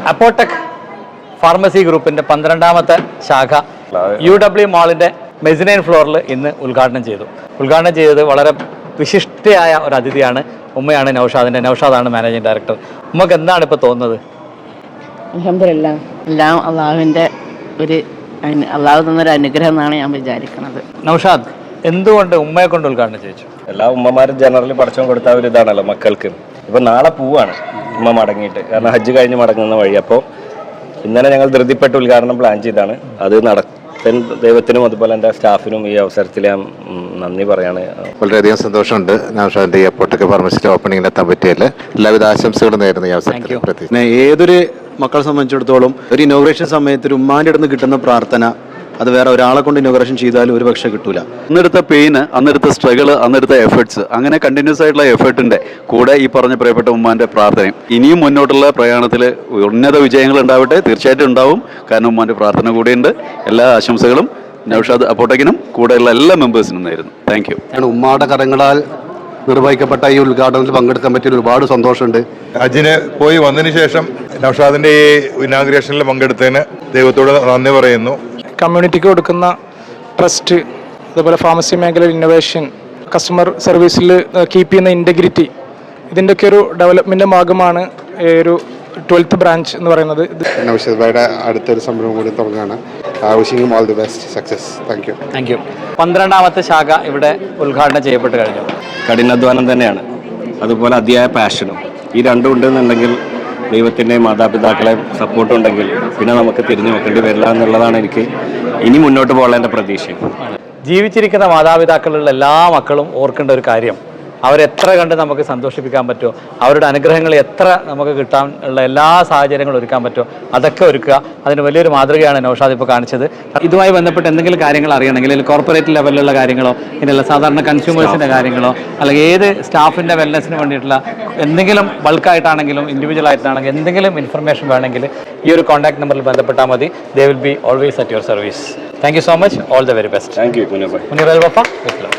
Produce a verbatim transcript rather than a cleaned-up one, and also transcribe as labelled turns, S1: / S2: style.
S1: അപ്പോടെക് pharmacy ഗ്രൂപ്പിൻ്റെ പന്ത്രണ്ടാമത്തെ ശാഖ യു ഡബ്ല്യു മാളിൻ്റെ മെസിനൈൻ ഫ്ലോറിൽ ഇന്ന് ഉദ്ഘാടനം ചെയ്തു. ഉദ്ഘാടനം ചെയ്തത് വളരെ വിശിഷ്ടയായ ഒരു അതിഥിയാണ്, ഉമ്മയാണ് നൗഷാദിൻ്റെ. നൗഷാദാണ് മാനേജിങ് ഡയറക്ടർ. ഉമ്മക്ക് എന്താണ് ഇപ്പോൾ തോന്നുന്നത്?
S2: അൽഹംദുലില്ലാഹ്, എല്ലാം അള്ളാഹുവിൻ്റെ ഒരു അള്ളാഹു തന്നൊരു അനുഗ്രഹം എന്നാണ് ഞാൻ വിചാരിക്കുന്നത്.
S1: നൗഷാദ്, എന്തുകൊണ്ട് ഉമ്മയെ കൊണ്ട് ഉദ്ഘാടനം ചെയ്യിച്ചു?
S3: എല്ലാ ഉമ്മമാരും ജനറലി പഠിച്ചോ കൊടുത്ത ഒരു ഇതാണല്ലോ മക്കൾക്ക്. ഇപ്പം നാളെ പോവാണ് ഉമ്മ മടങ്ങിയിട്ട്, കാരണം ഹജ്ജ് കഴിഞ്ഞ് മടങ്ങുന്ന വഴി. അപ്പോൾ ഇന്നലെ ഞങ്ങൾ ധൃതിപ്പെട്ട് ഉദ്ഘാടനം പ്ലാൻ ചെയ്താണ്. അത് നടത്താൻ ദൈവത്തിനും അതുപോലെ എൻ്റെ സ്റ്റാഫിനും ഈ അവസരത്തിൽ ഞാൻ നന്ദി പറയാണ്.
S4: വളരെയധികം സന്തോഷമുണ്ട് നൗഷാദിന്റെ ഈ അപ്പോടെക് ഫാർമസിയുടെ ഓപ്പണിംഗിൽ എത്താൻ പറ്റിയതിൽ. എല്ലാവിധ ആശംസകളും നേരുന്നു ഈ അവസരത്തിൽ.
S5: ഏതൊരു മക്കളെ സംബന്ധിച്ചിടത്തോളം ഒരു ഇനോഗ്രേഷൻ സമയത്ത് ഒരു ഉമ്മാൻ്റെ അടുത്ത് കിട്ടുന്ന പ്രാർത്ഥന അത് വേറെ ഒരാളെ കൊണ്ട് ഇനോഗ്രേഷൻ ചെയ്താലും ഒരു പക്ഷേ കിട്ടൂല. അന്നെടുത്ത പെയിന്, അന്നെടുത്ത സ്ട്രഗിൾ, അന്നെടുത്ത എഫേർട്സ്, അങ്ങനെ കണ്ടിന്യൂസ് ആയിട്ടുള്ള എഫേർട്ടിന്റെ കൂടെ ഈ പറഞ്ഞ പ്രിയപ്പെട്ട ഉമ്മാന്റെ പ്രാർത്ഥനയും ഇനിയും മുന്നോട്ടുള്ള പ്രയാണത്തിൽ ഉന്നത വിജയങ്ങൾ ഉണ്ടാവട്ടെ. തീർച്ചയായിട്ടും ഉണ്ടാവും, കാരണം ഉമ്മാന്റെ പ്രാർത്ഥന കൂടെയുണ്ട്. എല്ലാ ആശംസകളും നൗഷാദ് അപ്പോടെക്കിനും കൂടെയുള്ള എല്ലാ മെമ്പേഴ്സിനും നേരുന്നു. Thank you.
S4: ഉമ്മായുടെ കരങ്ങളാൽ നിർവഹിക്കപ്പെട്ട ഈ ഉദ്ഘാടനത്തിൽ പങ്കെടുക്കാൻ പറ്റിയ ഒരുപാട് സന്തോഷമുണ്ട്.
S6: ഹജ്ജിന് പോയി വന്നതിന് ശേഷം നൗഷാദിന്റെ ഈ ഇനാഗ്രേഷനിൽ പങ്കെടുത്തതിന് ദൈവത്തോട് നന്ദി പറയുന്നു.
S7: കമ്മ്യൂണിറ്റിക്ക് കൊടുക്കുന്ന ട്രസ്റ്റ്, അതുപോലെ ഫാർമസി മേഖലയിൽ ഇന്നോവേഷൻ, കസ്റ്റമർ സർവീസിൽ കീപ്പ് ചെയ്യുന്ന ഇൻറ്റഗ്രിറ്റി, ഇതിൻ്റെയൊക്കെ ഒരു ഡെവലപ്മെൻ്റ് ഭാഗമാണ് ഒരു ട്വൽത്ത് ബ്രാഞ്ച് എന്ന് പറയുന്നത്.
S4: നൗഷാദ് ഭായിയുടെ അടുത്തൊരു സംരംഭം കൂടി തുടങ്ങുകയാണ്. Wishing you all the best, success. Thank you.
S1: Thank you. പന്ത്രണ്ടാമത്തെ ശാഖ ഇവിടെ ഉദ്ഘാടനം ചെയ്യപ്പെട്ട് കഴിഞ്ഞു.
S3: കഠിനാധ്വാനം തന്നെയാണ്, അതുപോലെ അതിയായ പാഷനും. ഈ രണ്ടും ഉണ്ടെന്നുണ്ടെങ്കിൽ ദൈവത്തിൻ്റെ മാതാപിതാക്കളെ സപ്പോർട്ട് ഉണ്ടെങ്കിൽ പിന്നെ നമുക്ക് തിരിഞ്ഞു നോക്കേണ്ടി വരില്ല എന്നുള്ളതാണ് എനിക്ക് ഇനി മുന്നോട്ട് പോകാനുള്ള പ്രതീക്ഷ.
S1: ജീവിച്ചിരിക്കുന്ന മാതാപിതാക്കളുള്ള എല്ലാ മക്കളും ഓർക്കേണ്ട ഒരു കാര്യം, അവരെത്ര കണ്ട് നമുക്ക് സന്തോഷിപ്പിക്കാൻ പറ്റുമോ, അവരുടെ അനുഗ്രഹങ്ങൾ എത്ര നമുക്ക് കിട്ടാൻ ഉള്ള എല്ലാ സാഹചര്യങ്ങളും ഒരുക്കാൻ പറ്റുമോ അതൊക്കെ ഒരുക്കുക. അതിന് വലിയൊരു മാതൃകയാണ് നൗഷാദ് ഇപ്പോൾ കാണിച്ചത്. ഇതുമായി ബന്ധപ്പെട്ട് എന്തെങ്കിലും കാര്യങ്ങൾ അറിയണമെങ്കിൽ, അല്ലെങ്കിൽ കോർപ്പറേറ്റ് ലെവലിലുള്ള കാര്യങ്ങളോ ഇങ്ങനെയുള്ള സാധാരണ കൺസ്യൂമേഴ്സിൻ്റെ കാര്യങ്ങളോ, അല്ലെങ്കിൽ ഏത് സ്റ്റാഫിൻ്റെ വെൽനെസ്സിന് വേണ്ടിയിട്ടുള്ള എന്തെങ്കിലും ബൾക്കായിട്ടാണെങ്കിലും ഇൻഡിവിജ്വൽ ആയിട്ടാണെങ്കിലും എന്തെങ്കിലും ഇൻഫർമേഷൻ വേണമെങ്കിൽ ഈ ഒരു കോൺടാക്ട് നമ്പറിൽ ബന്ധപ്പെട്ടാൽ മതി. They will be always at your service. Thank you so much. All the very best.
S3: Thank you Muneer bhai.
S1: Muneer Al Wafa.